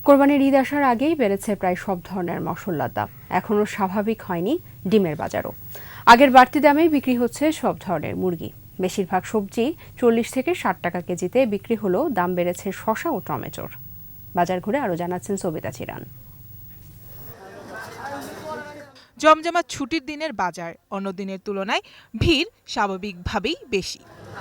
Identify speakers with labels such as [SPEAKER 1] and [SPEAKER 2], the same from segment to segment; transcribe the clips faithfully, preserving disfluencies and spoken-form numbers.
[SPEAKER 1] কোরবানির ঈদ আসার আগেই বেড়েছে প্রায় সব ধরনের মশলার দাম। এখনও স্বাভাবিক হয়নি ডিমের বাজারও। আগের বাড়তি দামেই বিক্রি হচ্ছে সব ধরনের মুরগি। বেশিরভাগ সবজি চল্লিশ থেকে ষাট টাকা কেজিতে বিক্রি হলেও দাম বেড়েছে শসা ও টমেটোর। বাজার ঘুরে আরও জানাচ্ছেন সবিতা চিরান।
[SPEAKER 2] জমজমাট ছুটির দিনের বাজার অন্য দিনের তুলনায় ভিড় স্বাভাবিকভাবেই বেশি।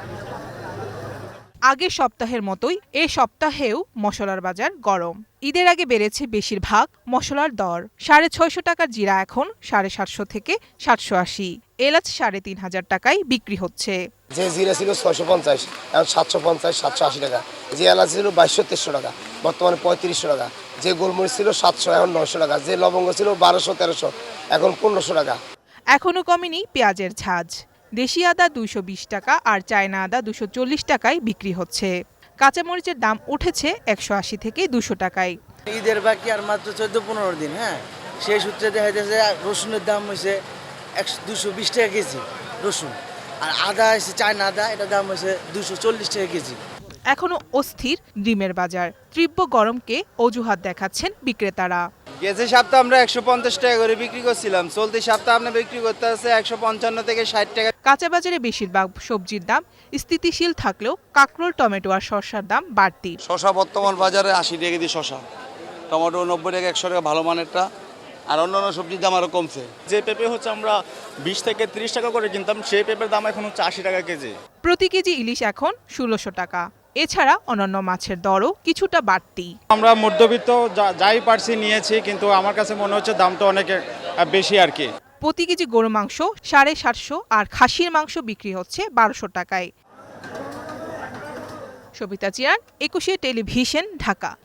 [SPEAKER 2] আগের সপ্তাহের মতোই এ সপ্তাহেও মশলার বাজার গরম। ঈদের আগে বেড়েছে বেশিরভাগ মশলার দর। সাড়ে ছয়শো টাকার জিরা এখন সাড়ে সাতশো থেকে সাতশো আশি। এলাচ সাড়ে তিন হাজার টাকায় বিক্রি হচ্ছে।
[SPEAKER 3] যে জিরা ছিল ছয়শো পঞ্চাশ, এখন সাতশো পঞ্চাশ সাতশো আশি টাকা। যে এলাচ ছিল বাইশশো তেরোশো টাকা, বর্তমানে পঁয়ত্রিশশো টাকা। যে গোলমরিচ ছিল সাতশো, এখন নয়শো টাকা। যে লবঙ্গ ছিল বারোশো তেরোশো, এখন পনেরোশো টাকা।
[SPEAKER 2] এখনও কমেনি পেঁয়াজের ঝাঁজ। দেশি আদা দুইশো বিশ টাকা আর চায়না আদা দুশো চল্লিশ টাকায় বিক্রি হচ্ছে। কাঁচামরিচের দাম উঠেছে একশো আশি থেকে দুশো টাকায়।
[SPEAKER 4] ঈদের বাকি আর মাত্র চোদ্দ পনেরো দিন, হ্যাঁ, সেই সূত্রে দেখা যাচ্ছে রসুনের দাম হয়েছে একশো দুশো বিশ টাকা কেজি রসুন, আর আদা এসে চায়না আদা, এটার দাম হয়েছে দুশো চল্লিশ টাকা কেজি।
[SPEAKER 2] এখনো অস্থির ডিমের বাজার। তীব্র গরমকে অজুহাত দেখাচ্ছেন বিক্রেতারা।
[SPEAKER 5] গেছে সপ্তাহে আমরা একশো পঞ্চাশ টাকা করে বিক্রি করছিলাম, চলতি সপ্তাহে আমরা বিক্রি করতে আছে একশো পঞ্চান্ন থেকে ষাট টাকা।
[SPEAKER 2] কাঁচা বাজারে বেশিরভাগ সবজির দাম স্থিতিশীল থাকলেও কাঁকরোল, টমেটো আর শসার দাম বাড়তি।
[SPEAKER 6] শসা বর্তমান বাজারে আশি টাকা কেজি শসা, টমেটো নব্বই টাকা একশো টাকা ভালো মানেরটা, আর অন্যান্য সবজির দাম আরও কমছে।
[SPEAKER 7] যে পেঁপে হচ্ছে আমরা বিশ থেকে ত্রিশ টাকা করে কিনতাম, সেই পেঁপের দাম এখন হচ্ছে আশি টাকা কেজি।
[SPEAKER 2] প্রতি কেজি ইলিশ এখন ষোলোশো টাকা। এছাড়া অন্যান্য মাছের দরও কিছুটা বাড়তি।
[SPEAKER 7] আমরা মধ্যবিত্ত যাই পারছি নিয়েছি, কিন্তু আমার কাছে মনে হচ্ছে দামটা অনেক বেশি আর কি।
[SPEAKER 2] প্রতি কেজি গরু মাংস সাড়ে সাতশো আর খাসির মাংস বিক্রি হচ্ছে বারোশো টাকায়। সবিতা চিরান, একুশে টেলিভিশন, ঢাকা।